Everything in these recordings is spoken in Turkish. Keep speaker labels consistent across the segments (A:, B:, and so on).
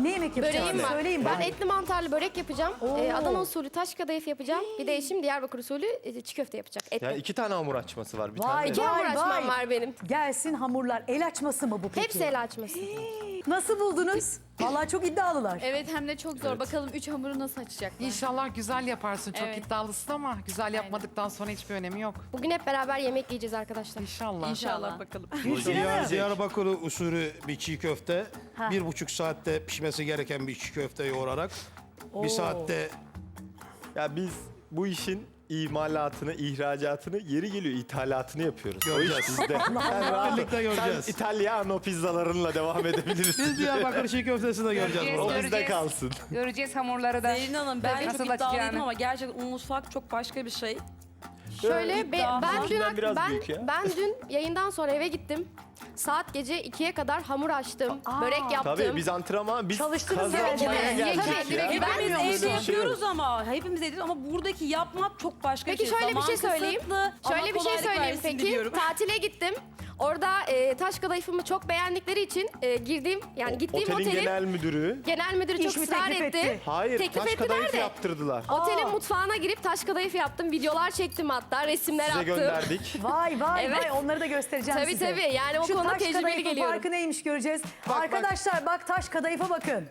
A: Ne yemek yapacaksın?
B: Böreğim var.
A: Söyleyin
B: Ben
A: bana.
B: etli mantarlı börek yapacağım.
A: Oo.
B: Adana usulü taş kadayıf yapacağım. Bir de eşim Diyarbakır usulü çiğ köfte yapacak. Etli.
C: Yani 2 tane hamur açması var. Bir
A: Vay,
C: tane.
B: İki hamur açmam var benim.
A: Gelsin hamurlar. El açması mı bu peki?
B: Hepsi el açması.
A: Nasıl buldunuz? Vallahi çok iddialılar.
D: Evet hem de çok zor. Bakalım 3 hamuru nasıl açacaklar?
E: İnşallah güzel yaparsın. Çok
D: Evet.
E: iddialısın ama güzel yapmadıktan sonra hiçbir önemi yok.
B: Bugün hep beraber yemek yiyeceğiz arkadaşlar.
E: İnşallah.
D: İnşallah bakalım.
F: Diyarbakır usulü bir çiğ köfte.
A: Ha.
F: 1,5 saatte pişmesi gereken bir çiğ köfte yoğurarak. Bir saatte
C: Ya biz bu işin imalatını, ihracatını, yeri geliyor ithalatını yapıyoruz. O iş
F: Göreceğiz.
C: bizde. Sen rahat ol.
F: Birlikte göreceğiz.
C: Sen İtalyano pizzalarınla devam edebilirsin.
F: biz Diyarbakır çiğ köftesi de göreceğiz.
C: O
F: burada.
C: bizde kalsın.
G: Göreceğiz hamurları da.
H: Zerrin Hanım ben de
G: Nasıl
H: çok iddialıydım
G: açacağını.
H: ama gerçekten mutfak çok başka bir şey.
B: Şöyle
H: iddia.
C: Bizden biraz büyük ya.
B: ben dün yayından sonra eve gittim. Saat gece 2'ye kadar hamur açtım. Börek yaptım.
C: Tabii biz antrenman, biz
A: Çalıştınız
C: kazanmaya
A: yani.
C: geldik
B: Tabii,
C: ya.
B: ben
H: Hepimiz evde
C: bir şey
H: yapıyoruz ama hepimiz evde ama buradaki yapmak çok başka
B: Peki
H: bir şey.
B: şöyle bir şey
H: Zaman
B: söyleyeyim.
H: kısıtlı ama
B: Şöyle bir şey
H: kolaylık
B: söyleyeyim
H: versin
B: peki.
H: diliyorum.
B: Tatile gittim. Orada taş kadayıfımı çok beğendikleri için gittiğim
C: Otelin
B: otelin
C: genel müdürü.
B: genel müdürü çok
A: İş mi
B: ısrar
A: teklif
B: etti.
A: etti?
C: Hayır,
B: Teklif
C: taş
B: ettiler
C: kadayıf
B: de.
C: yaptırdılar.
B: Otelin mutfağına girip taş kadayıf yaptım. Videolar çektim hatta. Resimler
C: Size
B: attım.
C: gönderdik.
A: Vay vay
B: Evet.
A: vay onları da göstereceğim
B: Tabii,
A: size.
B: tabii. Yani o
A: Şu
B: konuda
A: taş
B: tecrübeli
A: kadayıfın
B: geliyorum.
A: farkı neymiş göreceğiz. Arkadaşlar bak taş kadayıfa bakın.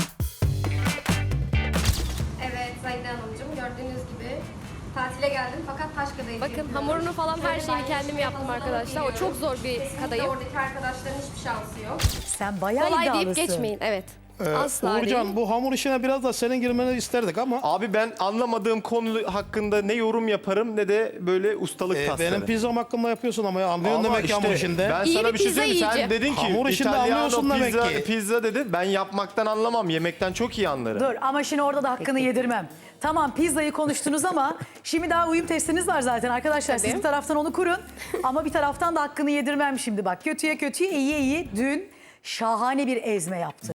B: Evet Zahide Hanımcığım gördüğünüz gibi tatile geldim fakat taş kadayıf bakın hamurunu falan her şeyini kendim yaptım arkadaşlar. O çok zor bir kadayıf. Oradaki arkadaşların hiçbir şansı yok.
A: Sen bayağı
B: Kolay
A: iddialısın.
B: deyip geçmeyin. Evet. Asla
F: Uğurcan
B: değil.
F: bu hamur işine biraz da senin girmeni isterdik ama
C: Abi ben anlamadığım konu hakkında ne yorum yaparım ne de böyle ustalık taslarım.
F: benim pizzam hakkında yapıyorsun ama anlıyorsun
C: Ama
F: demek ki hamur işinde.
C: Ben
B: İyi
C: sana
B: bir
C: bir şey
B: pizza
C: söyleyeyim. Sen
B: yiyeceğim.
C: dedin ki
F: Hamur işinde anlıyorsun demek
C: pizza,
F: ki.
C: pizza dedin. Ben yapmaktan anlamam. Yemekten çok iyi anlarım.
A: Dur ama şimdi orada da hakkını yedirmem. Tamam pizzayı konuştunuz ama şimdi daha uyum testiniz var zaten arkadaşlar. Siz bir taraftan onu kurun ama bir taraftan da hakkını yedirmem şimdi bak. Kötüye kötüye iyiye iyi dün şahane bir ezme yaptı.